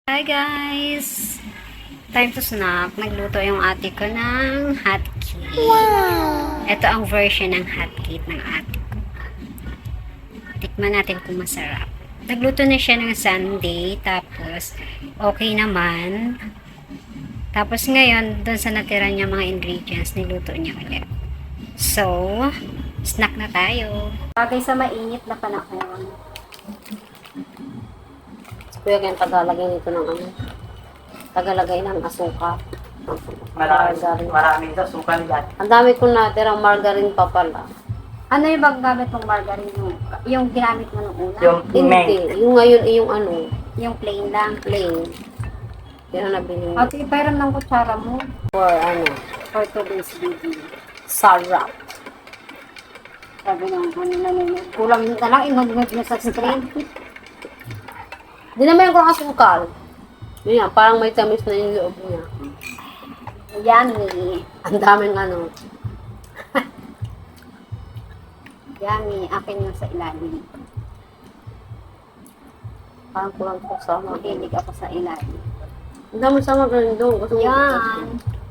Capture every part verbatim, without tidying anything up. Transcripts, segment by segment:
Hi guys! Time to snack. Nagluto yung ate ko ng hot cake. Wow! Ito ang version ng hot cake ng ate ko. Tikman natin kung masarap. Nagluto na siya ng Sunday, tapos okay naman. Tapos ngayon, dun sa natira niya mga ingredients, niluto niya ulit. So, snack na tayo. Bagay sa mainit na panahon. Kuya, kaya tagalagay nito ng ano, tagalagay ng asuka. Maraming, Margarine. maraming sukan dyan. Ang dami kong natirang margarine pa pala. Ano yung gamit mong margarine? Yung, yung ginamit mo nung una? Yung Hindi. meng. Yung ngayon, eh, yung ano, Yung plain lang. plain. Yan ang nabili mo. Okay, pairam ng kutsara mo. For ano, For today's video. sarap. Sabi ng ano nanonood. Kulang na lang, inugod mo sa screen. Di naman ko ng asukal. Yun yan, parang may tamis na yung loob niya. Yummy. Ang daming ano. Yummy. Akin yung sa ilalim. Parang kulang ko sa mga. Mahilig ako sa ilalim. Ang dami sa mga ganun doon. Gusto mo- Yan.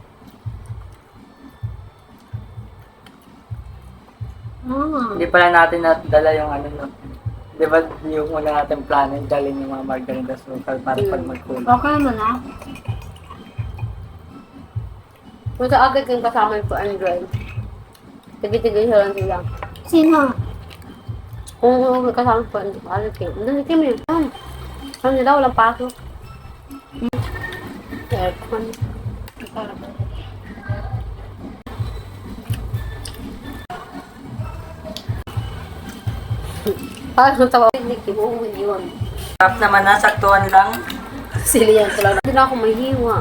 Ah. Hindi pala natin nadala yung ano no. Di ba yung una natin plano yung dalhin yung mga margarine at sukan para pag magkulo. Okay mo na. Kung sa agad yung kasama yung Android, tigil-tigil siya lang sila. Sino? Kung may kasama po, ano Kim? Ano si Kim yun? Ano? Ano nila? Walang pasok. Aircon. Parang tawa. Hindi, Kim. Oo, yun. Sarap naman na, saktuhan lang. Sili yan talaga. Hindi na ako mahiwa.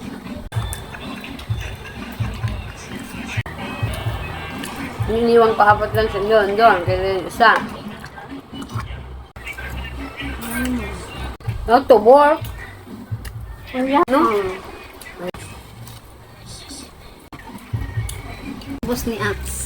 Niniwang pahapat lang siya doon, doon. Kaya isa. No, tubor. Ayan. No? Bus ni Ax.